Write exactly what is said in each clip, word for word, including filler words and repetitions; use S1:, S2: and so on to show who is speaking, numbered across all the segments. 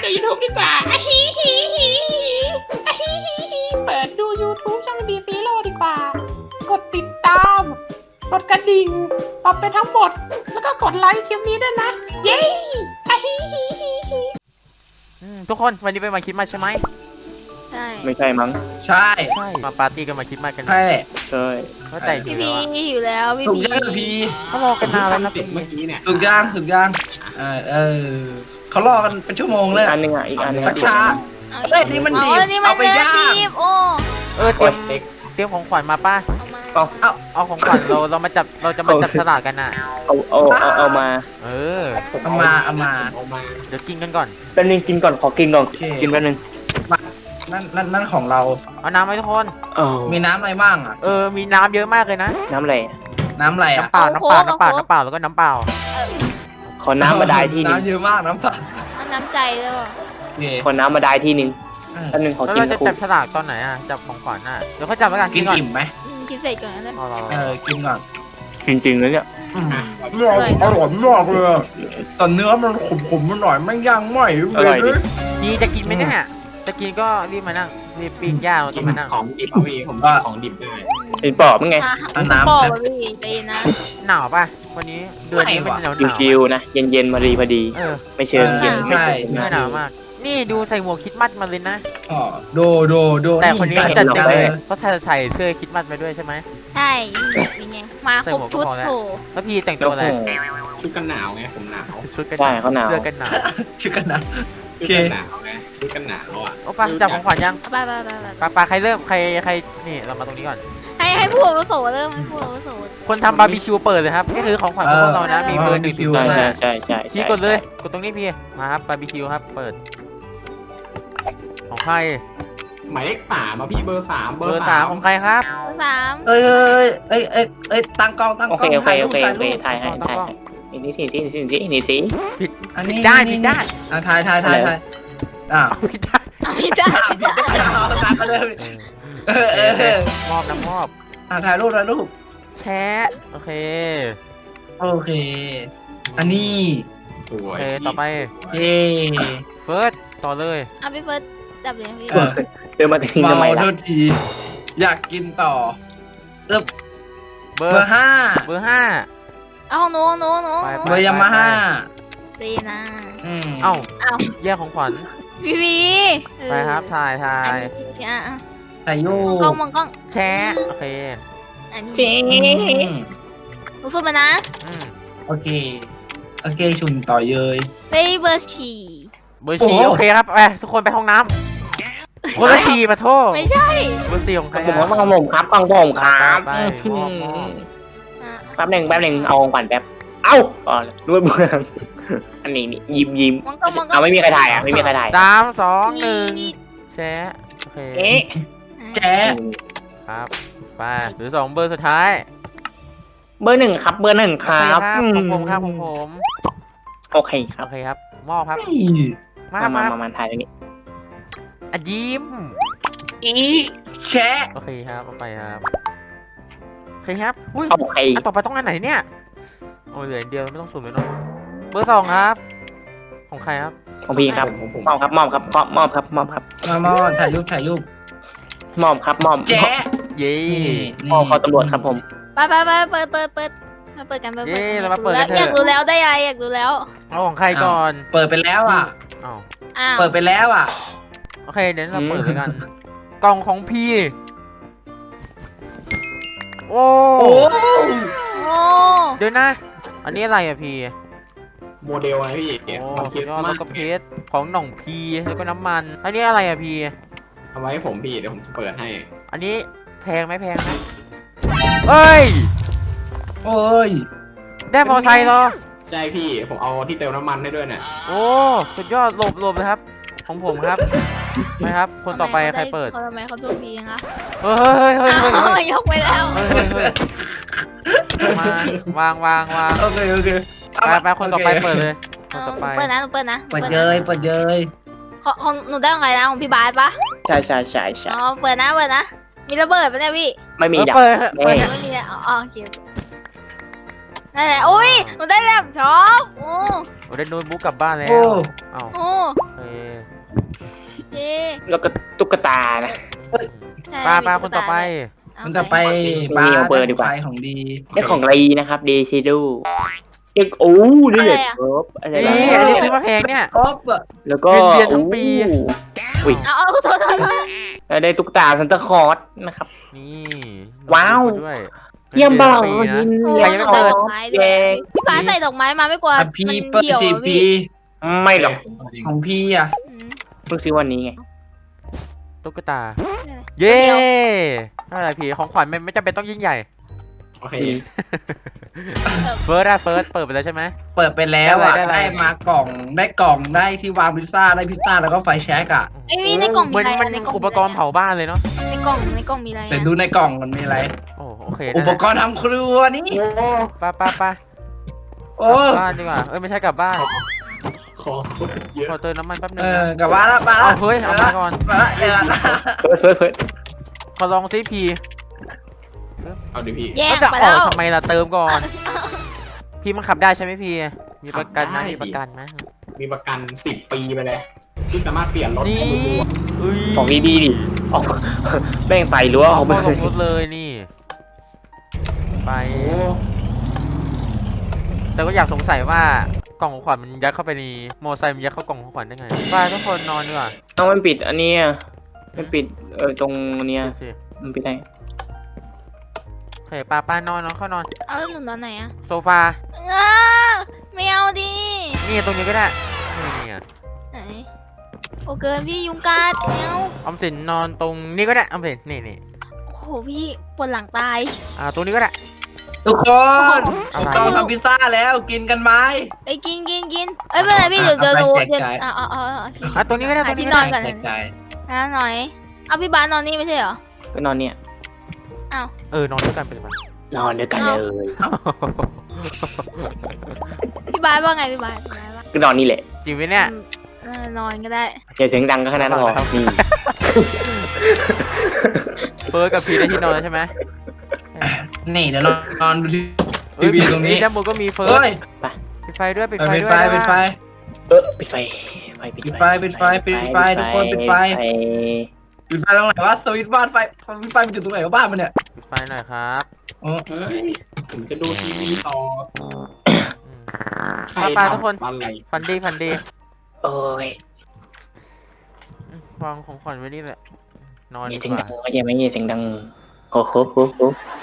S1: ดู ยูทูบ ดีกว่าอะฮิฮิฮิอะฮิฮิฮิเปิดดู ยูทูบ ช่องดีซีโร่ดีกว่า กดติดตาม กดกระดิ่งปรับเป็นทั้งหมด แล้วก็กดไลค์คลิปนี้ด้วยนะ เย้อะฮิฮิฮิฮิ
S2: ทุกคนวันนี้เป็นวันคริสต์มาสใช่ไหม
S3: ใช่
S4: ไม่ใช่มั้ง
S5: ใช่
S2: ใช่มาปาร์ตี้กันมาคริสต์มาสกัน
S5: ใช่
S4: ใช่
S2: ก็แต่
S3: พี่
S2: ดี
S3: พี
S2: แล้วอะ
S3: อยู่แล้วพี่
S5: สุก
S3: พี
S5: ย่างพี
S2: เขารอกันนานแล้วนะ
S1: เสร็
S2: พี่
S1: จเมื่อกี้เนี่ย
S5: สุกย่างสุกย่างเออเออเขารอกันเป็นชั่วโมงเลย
S4: อันหนึงอ่ะอีกอันหนึง
S5: ชักช้า เอ้ยนี่มันดิบ
S3: เอานี่มัน
S5: เอาไป
S3: เนื้อย่าง ดิบโอ้
S2: เออเตรียมเตรียมของขวัญมาป้า
S3: เอามา
S4: เอา
S5: เอา
S2: เอาของขวัญเราเรามาจับเราจะมาจับฉลากกันน่ะ
S4: เอาเอาเอาเอามา
S2: เออ
S5: เอามาเอามา
S1: เอามา
S2: เดี๋ยวกินกันก่อน
S4: แป๊บนึงกินก่อนขอกินก่อน
S5: โอเค
S4: กินแป๊บนึง
S5: นั่นนั่นนั่นของเรา
S2: เอาน้ำไหมทุกคน
S4: เอา
S5: มีน้ำอะไรบ้างอ่ะ
S2: เออมีน้ำเยอะมากเลยนะ
S4: น้ำอะไร
S5: น้ำอะไรอ่ะ
S2: น้ำเปล่าน้ำเปล่าน้ำเปล่าน้ำเปล่าแล้วก็น้ำเปล่า
S4: ขอน้ำมาได้ที่หนึง
S5: น้ำเยอะมากน้ำเปล่า
S3: มันน้ำใจเลยว่ะ
S5: โอเค
S4: ขอน้ำมาได้ที่หนึงแป๊บนึงขอ
S2: แล้ว
S4: กิน
S2: เราจะ
S4: คุ
S2: จั
S4: ก
S2: บฉลากตอนไหนอ่ะจับของขวัญน่ะเดี๋ยวเขาจับแล้วกัน
S5: กิน
S2: ก่อน
S5: อิ่มไหม
S3: อืมกินเสร็จก่อนนะ
S2: รอรอร
S5: เอ
S2: อ
S5: อกินก่อน
S4: จริงๆแล้วเนี่ย
S5: อร่อยอร่อยมากเลยอะแต่เนื้อมันขมๆมันหน่อยไม่ย่างไหม
S4: อร่อยดิ
S2: ดีจะกินไหมเนี่ยจะกินก็รีบมานั่งรีบปิ้งย่างแล้ว
S1: กิ
S2: ก็
S1: น
S2: มานั่ง
S1: ของดิบเอาพี่ผมกินของดิบได้
S4: เป็นปอบมั้งไง
S5: เอาน้ำ
S3: ปอ
S5: แป๊บ
S3: กพี่ใจเย็นนะ
S2: หนาวป่ะวันนี้เดือนนี้
S5: ไม่
S2: มัน
S5: ว่ะ
S2: หนาวหนาว
S4: ชิวๆนะเย็นๆพอดีพอดี
S2: เออ
S4: ไม่เชิงเย็น
S5: ใช่
S4: ไม่
S2: ไม่
S4: เชิง
S2: หนาวมาก นี่ดูใส่หมวกคริดมัดมาเลยนะ
S5: อ๋อโดโดโด
S2: แต่คนนี้เขาจัดเต็มเลย
S5: ออ
S2: เขาใส่เสื้อคริดมัดไปด้วยใช่ไหม
S3: ใช่นี่เป็นไงมาครบชุดโถ
S2: แล้วพี่แต่ง
S4: โอ้
S2: ตัวอะไร
S4: โห
S1: ชุดกันหนาวไงผมหนาว
S2: ชุดกัน
S4: ใช่เขาหนาว
S2: เสื้อกันหนาว
S5: ชื่อกันนะ
S1: ชุดกันหนาวไงชุดกันหนาวอ่ะ
S2: โอ้ปะจับของขวัญยัง
S3: เอาไปไปไปไป
S2: ปาปาใครเริ่มใครใครนี่เรามาตรงนี้ก่อน
S3: ให้ให้ผู้อาวุโสเริ่มให้ผู้อาวุโส
S2: คนทำบาร์บีคิวเปิดเลยครับนี่คือของขวัญของพวกเรานะมีเบอร์หนึ่งถึงเบอ
S4: ใช่
S2: ร์
S4: ใช่
S2: ห้า
S4: ใช่ใช่
S2: พี่กดเลยกดตรงนี้พี่มาครับบาร์บีคิวครับเปิด ของใคร
S1: หมายเลขสามอ่ะพี่เบอร์สาม
S2: เบอร์สามของใครครับ
S3: เบอร์สาม
S5: เอ้ยเอ้ยเอ้ยเอ้ยเอ้ยตั้งกล้องตั้ง
S4: โอก
S5: ล้
S4: เค
S5: อง
S4: โอเค
S5: ถ่าย
S4: โอ
S5: รูป
S4: เค
S5: ถ่าย
S4: โอเค
S5: รูป
S4: ถ่ายให้ถ่ายให้นี่สินี่สินี่สินี่สิ
S5: อัน
S2: ผิ
S5: นี้
S2: ดด้านผิดด้าน
S5: อ่ะถ่ายถ่ายถ่ายถ่ายอ่ะ
S2: เอาผิดด้าน
S3: เอาไม่ได้
S5: อ่ะผิดได้เอาตามมาเลย
S2: เออ
S5: เออเออเออ
S2: มอบนะมอบ
S5: อ่ะถ่ายรูปถ่ายรูป
S2: แชะโอเค
S5: โอเค อันนี้
S1: สว
S2: โอย เคต่อไป
S5: เย่
S2: เฟิร์สต่อเลย
S3: เอาพี่เฟิร์สจับเลยพี่
S5: เออ
S4: เดินมาถึง
S5: เมา
S4: ทำไม
S5: โท
S4: ล่ะ
S5: ษที อยากกินต่อเอบ
S2: เบอ
S5: เบอ
S2: ร์
S5: ร์ห้า
S2: เบอร์ห้า
S3: เอาของหนูของหนูหนู
S2: ไป
S3: หนู
S5: เบอร์ยามาฮ่า
S3: ดีนะ
S5: อืม
S2: เอ้า
S3: เอา
S2: แยกของขวัญ
S3: พี่พีเออ
S2: ไปครับถ่ายถ่า
S3: อัน
S2: ย
S3: นี้อ่ะอ่ะ
S5: ถ่ายรู
S3: มอง
S5: ป
S3: กล้องมองกล้อง
S2: แชะโอเค
S3: อันนี้
S4: เจ๊
S5: อืม
S3: หนูสู้มานะ
S2: อืม
S5: โอเค โอเค ชุนต่อเยย
S3: เฮ้ยเบอร์ฉี่
S2: เบอร์สี่
S5: โอ้โห
S2: โอเคครับไปทุกคนไปห้องน้ำคนละฉี่มาโทษ
S3: ไม่ใช่
S2: เบอร์สี่ของใคร
S4: ผม
S2: อะ
S4: ว่าของผมครับของผมครับ
S2: ไปไปมอบมอบ
S3: อ่ะ
S4: แป๊บหนึ่งแป๊บหนึ่งเอาของขวัญแป๊บเอ้าอ๋อด้วยเมืองอันนี้นี่ยิ้มยิ้ม
S3: มองกล้องมองกล้
S4: เอา
S3: อง
S4: ไม่มีใครถ่ายอ่ะไม่มีใครถ่าย
S2: สามสองหนึ่ง
S3: นี่
S2: แชะโอเค
S4: เอ๊ะ
S5: แจ๊
S2: ครับไปหรือสองเบอร์สุดท้าย
S4: เบอร์หนึ่งครับ เบอร์หนึ่งค
S2: โอ
S4: รั
S2: เค
S4: บ
S2: ครับของผมครับของผม
S4: โอเคครั
S2: โอบ เคครับมอบครับ
S5: นี่
S2: มา
S4: มา
S2: มา
S4: มามามาถ่ายตรงนี้
S2: อ่ะยิ้ม
S5: อีแชะ
S2: โอเคครับเอาไปครับโอเคครับอุ้ย
S4: โอเค
S2: อันต่อไปต้องอันไหนเนี่ยโอ้ยเหลืออันเดียวไม่ต้องสุ่มเลยเนาะเบอร์สองครับ ของใครครับ
S4: ของพี่ครับ
S1: ผมผม
S4: มอบครับมอบครับมอบมอบครับมอบครับ
S5: มามาถ่ายรูปถ่ายรูป
S4: มอบครับมอบ
S5: แจ๊ะ
S2: เย้
S4: มอบเขาตำรวจครับผม
S3: ไปไปไปเปิดเปิดเปิดมาเปิดกันเปิด
S2: เย้
S3: กัน
S2: เรามาเปิดกันเถ
S3: อยาก
S2: อะ
S3: รู้แล้วได้อะไรอยากรู้แล้ว
S2: เอาของใครก่อน
S5: เปิดไปแล้วอ่ะ
S2: อ้าว
S3: อ้าว
S5: เปิดไปแล้วอ่ะ
S2: โอเคเดี๋ยวเราเปิดเลยกัน กล่องของพี่โอ้
S5: โอ้
S3: โอ้
S2: เดี๋ยวนะ อันนี้อะไรอะพี่
S1: โมเดลไงพี่
S2: โอ้
S1: ความ
S2: สุ
S1: คิ
S2: ด
S1: ด
S2: ยอด
S1: มา
S2: แล้ว
S1: ก
S2: ก็เพชรของหน่องพีแล้วก็น้ำมัน อันนี้อะไรอะพี่
S1: เอาไว้ให้ผมพี่เดี๋ยวผมจะเปิดให้
S2: อันนี้แพงไหมแพงไหมเอ้ย
S5: โอ้ย
S2: ได้มอไซค์เหรอ
S1: ใช่พี่ผมเอาที่เติมน้ำมันให้ด้วยเนี่ย
S2: โอ้สุดยอดหลบหลบเลยครับ ของผมครับไปครับ คนต่อไปใครเปิด
S3: เขาทำไมเขาดวงดียังคะ
S2: เฮ้ยเฮ้ยเฮ้ยเฮ้ย
S3: อ้า
S2: เฮ้ยว
S3: ยกไปแล้ว
S2: เฮ้ยเฮ้ยเฮ้ยมาวางวางวาง
S5: โอเคโอเค
S2: ไปไปคนต่อไปเปิดเลยคน
S3: เอา
S2: ต่อไป
S3: เปิดนะหนูเปิดนะ
S5: เปิดเยยเปิดเยย
S3: ของของหนูได้ของใครนะของพี่บาสปะ
S4: ใช่ใช่ใช่ใช่
S3: อ๋อเปิดนะเปิดนะมีระเบิดปะเนี่ยพี่
S4: ไม่มี
S2: เออ
S4: ดับ
S2: เปิดเปิด
S4: แน่
S3: ไม่มีเลยอ๋อโอเคนั่นแหละอุ้ยหนูได้แล็ปท็อปโอ้
S2: โอ้ได้โน้ตบุ๊กกลับบ้านแล้ว
S5: โอ้
S2: เอ้า
S3: โอ้
S2: เอ้ย
S3: เย่
S4: แล้วก็ตุ๊กตานะ
S3: ใช่
S2: ป้า
S3: มี
S2: ป้า
S3: ตุ๊
S2: คน
S3: ก
S2: ต่อ
S3: ตา
S2: ไป
S3: ด้วย
S5: มันจะไป
S4: บ้าเบอร์ดีกว่า
S5: ไฟของดี
S4: ได้ของรีนะครับเดชิดูเด็กโอ้นี่เลยครับอะไร
S2: นี่
S4: นะ
S2: อันนี้ซื้อมาแพงเนี่ย
S5: ครบอะ
S4: แล้วก็
S2: เงินเดือนทั้งปี
S4: อุ้ย
S3: เอาเอาโทษโทษโทษ
S4: แล้วได้ตุ๊กตาซันตาคลอสนะครับ
S2: นี่
S4: ว้าว
S2: โน้ตบุ๊กด้วย
S4: เยี่ยม
S2: งิน
S4: เป
S2: ดื
S4: ล่า
S2: อนทั้งปีนะ
S4: ยิน
S3: โอ้
S4: เยี่ยม
S3: หนู
S4: เป
S3: ใส่
S4: ล่า
S3: ดอกไม้ด้วยพี่บ้าสใส่ดอกไม้มาไม่กลัว
S5: อ่ะ
S3: มัน
S5: พี่เปิด
S3: เหี่ยว
S5: สี่
S3: อะ
S5: ปี
S3: พี่
S4: ไม่หรอก
S5: ของพี่อ่ะ
S3: อืม
S4: เพิ่งซื้อวันนี้ไง
S2: ตุ๊กตา
S3: เนี่ย
S2: เย้
S3: เดี๋ยว
S2: อะไรพี่ของขวัญไม่ไม่จำเป็นต้องยิ่งใหญ่
S5: โอเค
S2: เฟิร์สอะเฟิร์สเปิดไปแล้วใช่ไหม
S5: เปิดไปแล้วอ่ะ
S2: ได้อะไรได้
S5: ได้
S2: อะไร
S5: มากล่องได้กล่องได้ที่วางพิซซ่าได้พิซซ่าแล้วก็ไฟแช็กอ่ะ
S3: ไอยพี่ในกล่อง
S2: เห
S3: มี
S2: มือน
S3: อะไร
S2: มัน
S3: อะในกล่อง
S2: อุปกรณ์เผาบ้านเลยเนาะ
S3: ในกล่องในกล่องมีอะไร
S5: แต่
S3: อะ
S5: ดูในกล่องมันมีอะไร
S2: โอ้โอเค
S5: อุ
S2: นั่น
S5: ป
S2: แหละ
S5: กรณ์ทำครัวนี่
S2: ป้าป้าป้า
S5: โอ้
S2: กลับบ้านดีกว่าเอ้ยไม่ใช่กลับบ้าน
S5: ขอ
S2: ขอเติมน้ำมันแป๊บนึ
S5: เอง อ
S2: นะ
S5: กลับบ้านแล้วมาแล้
S2: เอา
S5: ว
S2: เฮ้ยเอามาก่อน
S5: มาแล้วเออ
S4: เฟิร์สเฟิร์สเฟิร์ส
S2: ขอลองซิพี
S5: เอาดิพี่
S3: แย่ง
S2: ก็จะ
S3: ไป
S2: อ
S3: แล้
S2: อก
S3: ว
S2: ทำไมล่ะเติมก่อน พี่มันขับได้ใช่ไหมพี่ มีประกันนะ
S6: ขับได้
S2: มีประกันนะ
S6: มีประกันสิบปีไปเลยที่สามารถเปลี่ยนรถ
S2: นี่
S6: ให้ดู
S2: อุ้ย
S4: ของดีๆดิออกแม่งไปหรือว่า
S2: เอา
S4: เอาไป
S2: เข้าลงรถเลยนี่ ไป แต่ก็อยากสงสัยว่ากล่องของขวัญมันยัดเข้าไปในมอไซค์มันยัดเข้ากล่องของขวัญได้ไงไปทุกคนนอนดีกว่า
S4: เอามันปิดอันเนี้ยมันปิดเออตรงเนี้ย
S2: ดูสิ
S4: มันปิดได้
S2: โอเคป้าป้านอนนอนเข้านอน
S3: เอาแล้วหนูนอนไหนอะ
S2: โซฟา
S3: อ้าไม่เอาดิ
S2: นี่ตรงนี้ก็ได้นี่นี่อ่ะ
S3: ไหนโอเกินพี่ยุงกัดไม่เอา
S2: ออมสินนอนตรงนี้ก็ได้ออมสินนี่นี่
S3: โอ้โหพี่ปวดหลังตาย
S2: อ่าตรงนี้ก็ได้
S5: ทุกคน
S2: อะไร
S5: ต้องทำพิซซ่าแล้วกินกันไหม
S3: ไอ้ยกินกินกินเอ้ยไม่เป็นไรพี่เดี๋ยวเดี๋ยว
S5: เอา
S3: หนู
S5: ไปแจก
S3: เดี๋ยว
S5: จ่าย
S3: เอาเอาเอาเอาโอเค
S2: อ่ะตรงนี้ก็ได้ตร
S3: หาง
S2: นี้
S3: ที่
S2: ก็
S3: นอ
S2: ได้
S3: นก่อน
S5: แจกจ่าย
S3: นะหน่อย เอาพี่บาสนอนนี่ไม่ใช่เหรอ
S4: ก็นอนเนี่ย
S2: เออนอนด้วยกันไปเลย
S4: นอนด้วยกันเลย
S3: พี่บาสว่าไงพี่บาสพี่บาสว่า
S4: ก็นอนนี่แหละ
S2: จริงไหมเนี่ย
S3: อืมเออนอนก็ได้
S4: อย่าเสียงดังก็แค่นั้นพอนี่
S2: เฟิร์สกับพีได้ที่นอนแล้วใช่ไหม
S5: นี่เดี๋ยวเรานอนดูที
S2: เอ้ย
S5: วีตรงนี้
S2: ด้านบนก็มีเฟิร์ส
S5: เฮ้ย
S2: ปิดไฟด้วยปิด
S5: เออ
S2: ไฟ
S5: ปิด
S2: ด้วย
S5: ไฟ
S2: นะ
S5: ปิดไฟ
S4: เออปิดไฟไฟปิด
S5: ปิดไฟปิดไฟปิดไฟทุกคนปิดไฟ ปิดไฟตรงไหนวะสวิตช์บ้านไฟไฟมันอยู่ตรงไหนวะบ้านมันเนี่ย
S2: ปิดไฟหน่อยครับ
S5: อ๋อ
S6: เฮ้ยผมจะดูทีวีต่อ
S2: อืม
S6: ใคร
S2: ไปๆ
S6: ทำ
S2: ทุกคน
S6: อะไร
S2: ฟันดีฟันดี
S4: โอ้ย
S2: อืมวางของขวัญไว้นี่แหละนอน
S4: อย่า
S2: ดี
S4: เสียง
S2: ก
S4: ดั
S2: ว่าง
S4: ไม่ใช่ไหมอย่าเสียงดังโอ้โหโอ้โห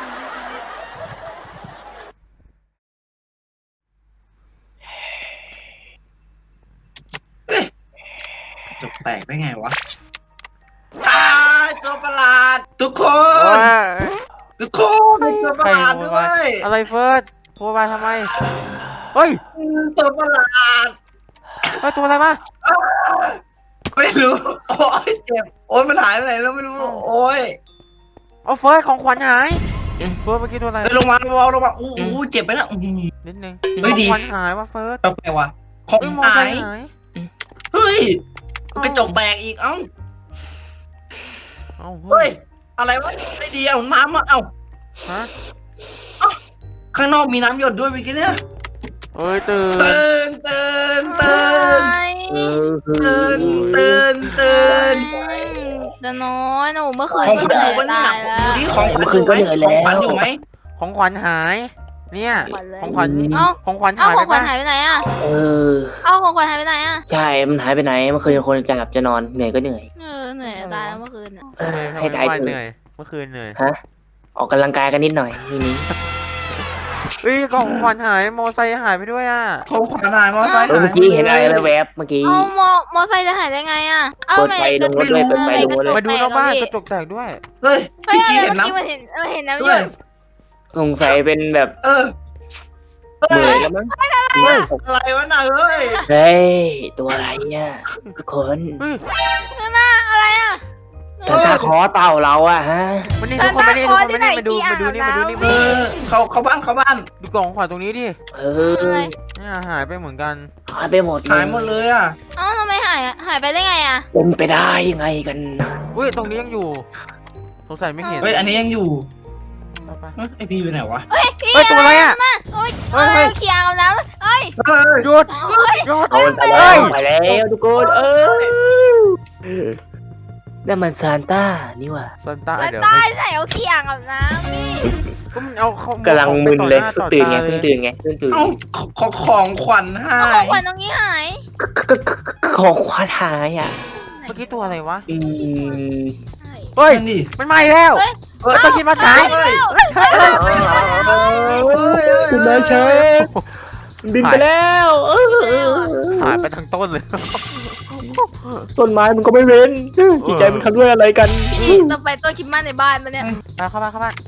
S5: จบแตกได้ไงวะตายตัวประหลาด ทุกค
S2: โอ้
S5: น
S2: ย
S5: ทุกคนมีตัวประหลาด
S2: ใครโว
S5: ด้
S2: ยว าย
S5: ย
S2: อะไรเฟิร์สโวยวายทำไมเฮ้ย
S5: ตัวประหลาด
S2: เฮ้ยตัวอะไรมา
S5: อ้าวไม่รู้โอ้ยเจ็บโอ้ยมันหายไปไหนแล้วไม่รู้โอ้ย
S2: เอาเฟิร์สของขวัญหายเฟิร์สเมื่อกี้ตัวอะไร
S5: เฮ้ยลงมาลงมาลงมาอู้หูเจ็บไปนะอื้อหือ
S2: นิดนึง
S5: เฮ้ย
S2: ข
S5: ดี
S2: องขวัญหายว่ะเฟิร์ส
S5: แปลกๆว่ะของ
S2: เฮ้ยมอ
S5: หา
S2: ไซ
S5: ย
S2: ค์หาย
S5: เฮ้ยกระจกแตกอีกเอ้า
S2: เอ้า
S5: เฮ้ยอะไรวะไม่ดีเอาน้ำมาเอ้า
S2: ฮะ
S5: ข้างนอกมีน้ำหยดด้วยเมื่อกี้เนี่ย
S2: เอ้ยตื่น
S5: ตื่นตื่นตื่น
S3: เอ้ย
S5: ตื่นตื่นตื่น
S3: เดี๋ยวน้อยหนูเมื่อคืน
S5: ของ
S3: ก็
S5: ขวัญ
S3: เหนื่
S5: อ
S3: อย
S5: ยู่ปะเนี่ย
S3: ตายแล้ว
S5: ดูดิของขวัญอยู่ไหมของขวัญอยู่ไหม
S2: ของขวัญหาย เนี่ย
S3: ขวัญเลย
S2: ของขวัญ
S3: เอ้า
S2: ของขวัญ
S3: เอ้า
S2: หาย
S3: ข
S2: ไป
S3: องขวัญ
S2: ปะ
S3: หายไปไหนอ่ะ
S4: เออ
S3: เอ้าของขวัญหายไปไหนอ่ะ
S4: ใช่ มันหายไปไหนเมื่อคืนคนจะหลับจะนอนเหนื่อยก็เหนื่อย
S3: เออเหนื่อยตายแล้วเมื่อคืนอ่ะ
S4: เออ
S2: ทำไม
S4: ให้
S2: ทำ
S4: ตาย
S2: ไม
S4: เถ
S2: เหนื่
S4: อะ
S2: อยเมื่อคืนเหนื่อย
S4: ฮะออกกำลังกายกันนิดหน่อยทีนี้
S2: เอ้ยกล่องของขวัญหายมอไซค์หายไปด้วยอ่ะ
S5: ของขวัญหายมอไซค์
S4: เออเมื่อกี้เห็นอะไรแวบๆเมื่อกี้
S3: เอามอมอไซค์จะหายได้ไงอ่ะ เอ้า
S4: เปิดไฟลงรถเลยเปิดไฟลงรถเลย
S2: มาดูนอกบ้านกระจกแตกด้วย
S5: เฮ้ย
S3: เฮ้ย
S5: เมื่อกี้
S3: อะไร
S5: เห็น
S3: เมื่อ
S5: น้
S3: กี้มันเห็นเออเห็นน้ำ
S5: ำ
S3: หย
S5: ด้วย
S3: ด
S4: สงสัยเป็นแบบ
S5: เออ
S4: เหนื่อยแล้วมั้ง
S5: อะไรวะน่ะเฮ้ย
S4: เฮ้ยตัวอะไรเนี่ยทุกคน
S2: เฮ้ย
S3: อะไรอ่ะ
S4: สันตาคลอสเปล่าเราอะฮะ
S2: มันนี่ทุกคนมานี่ทุกคนมานี่มาดูมาดูนี่มาดูนี่
S5: เอ
S2: มาดู
S5: อเขาเขาบ้านเขาบ้าน
S2: ดูกล่องของขวัญตรงนี้ดิ
S4: เอ
S3: อะไร
S4: อ
S2: เนี่ยหายไปเหมือนกัน
S4: หายไปหมดเลย
S5: หายหมดเลยอ่ะ
S3: เอ้าทำไมหายอ่ะหายไปได้ไงอ่ะ
S4: เป็นไปได้ยังไงกันนะ
S2: อุ้ยตรงนี้ยังอยู่สงสัยไม่เห็น
S5: เฮ้ยอันนี้ยังอยู่
S2: ไป
S5: เฮ้ยไอพีอยู่ไหนวะ
S3: เฮ้ยพี่
S2: ๆเฮ้ยตัวอะไรอ่ะ
S3: โอ้ย
S2: เฮ้
S3: เอ้
S2: ย
S3: ยเขียงเอาน้ำเอ้ย
S5: เฮ้ย
S2: หยุด
S3: โอ้ย
S2: หยุด
S4: เอามันไปแล้วไปแล้วทุกคนเออนั่นมันซานต้านี่ว่ะ
S2: ซันต้า
S3: แล้ว
S2: เดี๋ยว
S3: ใต้
S2: ให้
S3: ใส่เอาเขียงเอาน้ำนี่
S2: ก็มันเอาเขา
S4: กำลังมึนเลย
S2: ต่อห
S4: ตื่นไง
S2: ต่อตา
S4: เพิ่งตื่นไงเพิ่งตื่น
S5: เอ้าขอของขวัญให้
S3: เอาของขวัญตรงนี้หาย
S4: ของควานหายอ่ะ
S2: เมื่อกี้ตัวอะไรวะ
S4: อืม
S3: หาย
S2: เฮ้ย
S5: นั่นดิ
S2: มันมาอีกแล้ว
S3: เฮ้ย
S5: เฮ้ย
S2: ตัวคิดมาขาย
S5: เฮ้ย
S4: คุณนายเชฟบินไปแล้วเออ
S2: หายไปทั้งต้นเลย
S4: ต้นไม้มันก็ไม่เว้นจิตใจมันทำด้วยอะไรกัน
S3: พี่ต่อไปตัวคิดมาในบ้านมาเนี่ย
S2: ไปเข้าบ้านเข้าบ้าน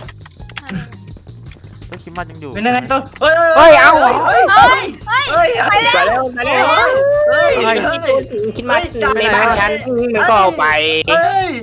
S2: ตัวคิดมายังอยู่
S5: เป็นยังไงตัวเฮ้ย
S2: เฮ้ยเอา
S5: เฮ้ย
S3: เฮ้ย
S5: เฮ้ย
S3: ไปแล้ว
S4: ไปแล้วไปแล้ว
S5: เฮ้ย
S2: เฮ้ย
S5: เฮ้ย
S4: คิดมาในบ้านฉันมันก็เอาไป
S5: เฮ้ย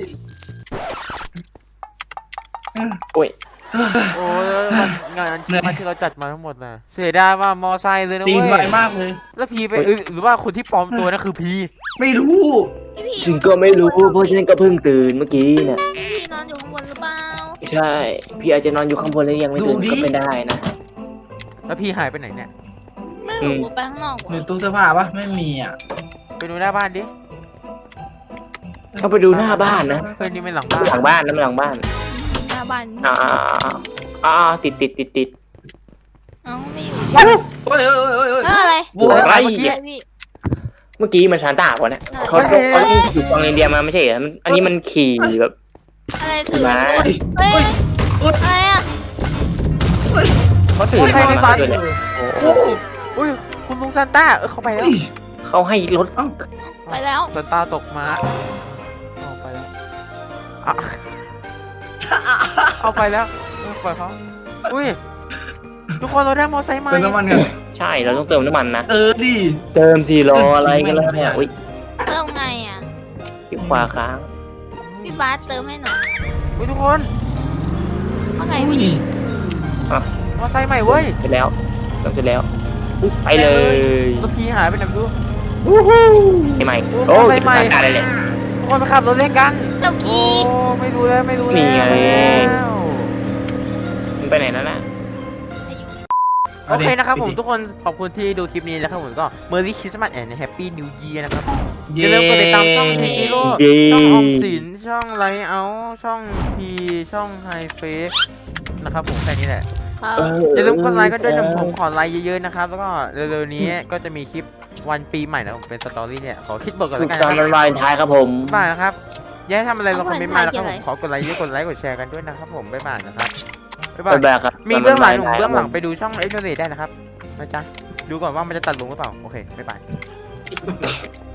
S4: โอ้ย
S2: โอ้ยมันงานคิดมาที่เราจัดมาทั้งหมดน่ะเสียดายว่ามอไซค์เลยนะ
S5: ตีน
S2: เว้
S5: ไวย มากเลย
S2: แล้วพีไปเอ้ยหรือว่าคนที่ปลอมตัวนั่นคือพี
S5: ไม่รู้
S3: พี่
S4: ฉันก็ไม่รู้เพราะฉันก็เพิ่งตื่นเมื่อกี้น่ะ
S3: พี่นอนอยู่ข้างบนหรือเปล่า
S4: ใช่ พี่อาจจะนอนอยู่ข้างบนแล้วยังไม่ตื่นก็เป็นได้นะ
S2: แล้วพีหายไปไหนเนี่ย
S3: ไม่รู้ไปข้างนอก
S5: หรือตู้เสื้อผ้าปะไม่มีอ่ะ
S2: ไปดูหน้าบ้านดิ
S4: เข้าไปดูหน้าบ้านนะ
S2: เฮ้ยนี่ไม่หลังบ้าน
S4: หลังบ้านนะหลังบ้าน
S3: หน้าบ้าน
S4: อ่าอ่าติดติดติดติด
S3: เอ้าไม่อยู่
S5: เฮ้ยเฮ้ยเฮ้ยเฮ้ย
S3: เอออะไร
S5: โว้ย
S2: อะไร
S4: ไอ้
S2: เมื่อกี้
S3: อะไรพี่
S4: เมื่อกี้มันซานต้าป่ะเนี่ยเขาเขาเขาขี่กองเรนเดียร์มาไม่ใช่เหรอมันอันนี้มันขี่แบบ
S3: อะไรถือ
S4: มา
S3: เฮ้ยอะไรอ่ะ
S4: เขาถือ
S2: ใครในบ้าน
S4: ด้วย
S2: อ
S4: เนี่ย
S2: ยู่
S5: โอ้โห
S2: อุ้ยคุณลุงซานต้าเออเข้าไปแล้ว
S5: เฮ้ย
S4: เขาให้รถ
S3: ไปแล้ว
S2: ซานต้าตกมาเอาไปแล้วอ่ะเอาไปแล้วเอาปล่อยเขาอุ้ยทุกคนเราได้มอไซค์ใหม่
S5: เติมน้ำมันกัน
S4: ใช่เราต้องเติมน้ำมันนะ
S5: เออดิ
S4: เติมสี่รออะไรกันแล้วเนี่ยอุ้ย
S3: เติมไงอ่ะ
S4: ที่ขวาค้าง
S3: พี่บาสเติมให้หน่อย
S2: อุ้ยทุกคน
S3: ว่าไงพี่
S2: มอไซค์ใหม่เว้ย
S4: เสร็จแล้วเติมเสร็จแล้วอุ๊ยไปเลย
S2: แล้วพีหายไปไหนไม่รู้
S4: ใหม่
S2: โอ้
S4: โอ้
S2: ใส่
S4: ย
S2: ใหม่
S4: ซานต้าได้เลย
S2: ทุกคนไปขับรถเล่นกัน
S3: เจ้า
S2: โอ้
S3: กี้
S2: ไม่รู้แล้วไม่รู้
S4: นี่
S2: แล้ว
S4: ไง มันไปไหนแล้วนะ
S2: โอเคนะครับผมทุกคนขอบคุณที่ดูคลิปนี้นะครับผมก็ Merry Christmas and Happy New Year นะครับอย่าลืมกดติดตามช่อง T Zero
S4: เย้
S2: ช่องออมสินช่องไลท์เอาช่องพีช่องไฮเฟสนะครับผมแค่นี้แหละ
S3: ครับ
S2: อย่าลืมกดไลค์กันด้วยนะผมขอไลค์เยอะๆนะครับแล้วก็เร็วๆนี้ก็จะมีคลิปวันปีใหม่นะผมเป็นสตอรี่เนี่ยขอคิดบทก่อน
S4: สุ
S2: แล้
S4: ข
S2: วกัน
S4: สันต์
S2: นะ
S4: วันวาเลนไทน์ครับผม
S2: บ๊ายบายนะครับอย่าให้ทำอะไรลองคอมเมนต์มานะครับผมขอกดไลค์เยอะกดไลค์กดแชร์กันด้วยนะครับผมบ๊ายบายนะครับบ๊ายบาย
S4: บ๊ายบายครับ
S2: มีเบื้องหลังหนุ่ม
S4: วันวาเลนไทน์
S2: เบื้องหลัง
S4: ครับผม
S2: ไปดูช่องเอ็กโนเดได้นะครับนะจ๊ะดูก่อนว่ามันจะตัดลงหรือเปล่าโอเคบ๊ายบาย